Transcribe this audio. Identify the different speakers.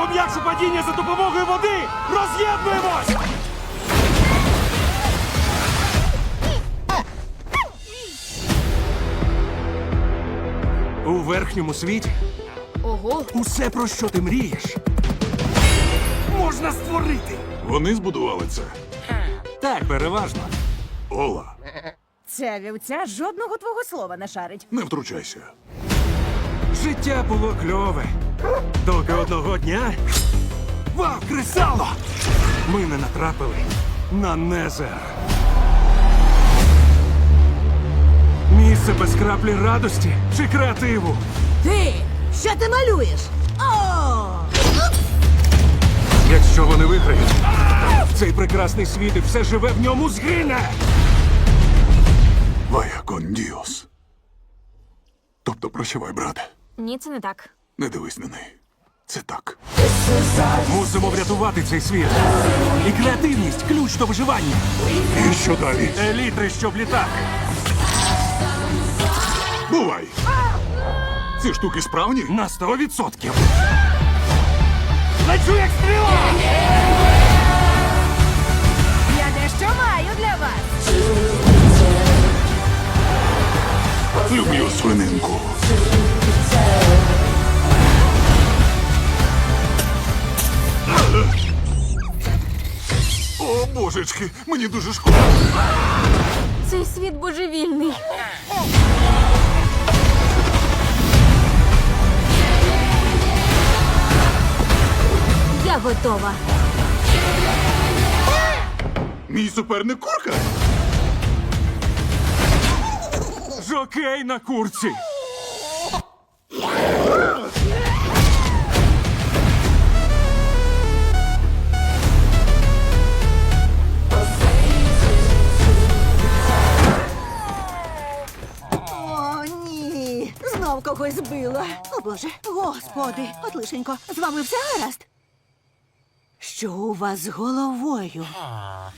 Speaker 1: пом'якшу падіння за допомогою води! Роз'єднуємось! У верхньому світі
Speaker 2: Ого.
Speaker 1: усе, про що ти мрієш, можна створити.
Speaker 3: Вони збудували це.
Speaker 1: Так, переважно.
Speaker 3: Ола,
Speaker 4: Ця вівця жодного твого слова не шарить.
Speaker 3: не втручайся.
Speaker 1: Життя було кльове. Доки одного дня... Вау, кресало! Ми не натрапили на Незер. Місце без краплі радості чи креативу.
Speaker 4: Ти! Що ти малюєш? О!
Speaker 1: Якщо вони виграють, цей прекрасний світ і все живе в ньому згине.
Speaker 3: Вая кон діос. Тобто прощавай, брате.
Speaker 2: Ні, це не так.
Speaker 3: Не дивись на неї. Це так.
Speaker 1: Мусимо врятувати цей світ. І креативність – ключ до виживання.
Speaker 3: І що далі?
Speaker 1: Елітри, щоб літати.
Speaker 3: Бувай! Ці штуки справні?
Speaker 1: На 100%. Лечу як стріла!
Speaker 4: Я дещо маю для вас.
Speaker 3: Люблю свининку. О, божечки, мені дуже шкода.
Speaker 2: Цей світ божевільний. Я готова.
Speaker 3: Мій суперник курка.
Speaker 1: Жокей на курці.
Speaker 4: О, ні. Знов когось збила. О, Боже. Господи, от лишенько, з вами все гаразд? Що у вас з головою?